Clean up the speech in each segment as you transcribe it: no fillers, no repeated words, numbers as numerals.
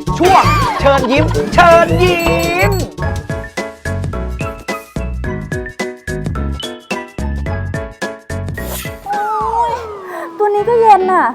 ช่วงเชิญยิ้มเชิญยิ้มตัวนี้ก็เย็นน่ะ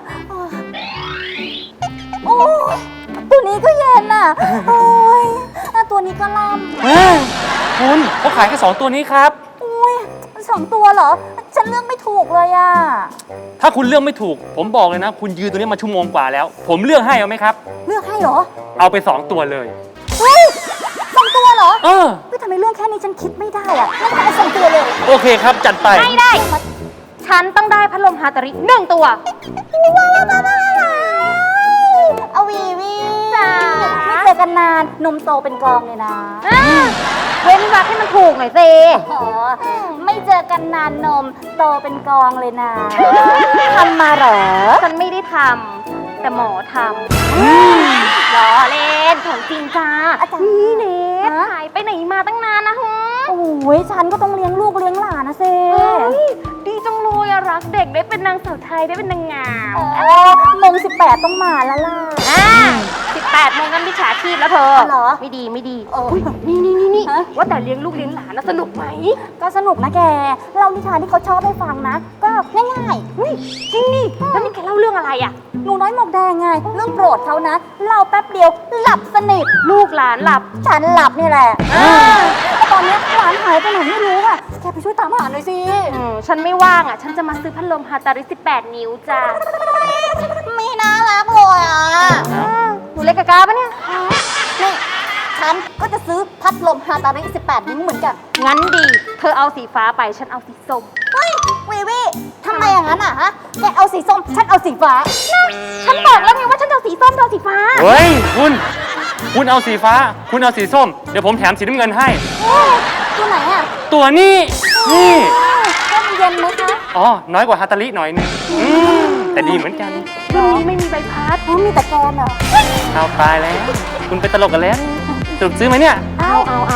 โอ้ยตัวนี้ก็เย็นน่ะโอ้ยตัวนี้ก็ล่ำคุณเขาขายแค่2ตัวนี้ครับอุ้ย2 ตัวเหรอ ฉันเลือกไม่ถูกเลยอ่ะถ้าคุณเลือกไม่ถูก ผมบอกเลยนะ คุณยืนตัวนี้มาชั่วโมงกว่าแล้ว ผมเลือกให้เอาไหมครับเลือกให้เหรอเอาไป2ตัวเลยเฮ้ย2 ตัวเหรอเออเฮ้ยทำไมเรื่องแค่นี้ฉันคิดไม่ได้อ่ะงั้นเอา2 ตัวเลยโอเคครับจัดไปไม่ได้ ฉันต้องได้พัดลมฮาตาริ1 ตัวเอาวีจ้าไม่เจอกันนานนมโตเป็นกองเลยนะเว้นวรรคให้มันถูกหน่อยสิอ๋อไม่เจอกันนานนมโตเป็นกองเลยนะทำมาเหรอฉันไม่ได้ทำแต่หมอทำล้อเล่นของจริงจ้าอาจารย์นี่เนทฮะหายไปไหนมาตั้งนานนะฮะโอ้ยฉันก็ต้องเลี้ยงลูกเลี้ยงหลานนะเซเฮ้ยดีจังเลยอะรักเด็กได้เป็นนางสาวไทยได้เป็นนางงามมง18ต้องมาแล้วล่ะ 18 โมงกันมิจฉาชีพแล้วเธอเหรอไม่ดีไม่ดีเออนี่ฮะว่าแต่เลี้ยงลูกเลี้ยงหลานนะสนุกไหมก็สนุกนะแก เรานิทานที่เขาชอบให้ฟังนะ ก็ง่ายจริงนี่แล้วนี่แกเล่าเรื่องอะไรอะๆหนูน้อยหมวกแดงไง เรื่องโปรดเขานะ เราแป๊บเดียวหลับสนิทลูกหลานหลับฉันหลับนี่แหละแต่ตอนนี้หลานหายไปไหนไม่รู้อ่ะ แกไปช่วยตามหาหน่อยสิฉันไม่ว่างอ่ะ ฉันจะมาซื้อพัดลมฮาตาริ 18 นิ้วจ้าไม่น่ารักเลยอ่ะหนูเล็กกะกาปะเนี่ยนี่ฉันก็จะซื้อพัดลมฮาตาริ18 นิ้วเหมือนกันงั้นดี เธอเอาสีฟ้าไป ฉันเอาสีส้มเฮ้ยวีทำไมอย่างนั้นอ่ะฮะ แกเอาสีส้ม ฉันเอาสีฟ้าฉันบอกแล้วไงว่าฉันจะเอาสีส้มเธอเอาสีฟ้าเฮ้ย คุณเอาสีฟ้า คุณเอาสีส้ม เดี๋ยวผมแถมสีน้ำเงินให้ตัวไหนอ่ะตัวนี้นี่ก็มันเย็นไหมคะอ๋อ น้อยกว่าฮาตาลิหน่อยนึงแต่ดีเหมือนกันรุ่นนี้ไม่มีใบพัดอ๋อมีแต่แกนเหรอเอาตายแล้ว คุณไปตลกกันแล้วสรุปซื้อไหมเนี่ยเอา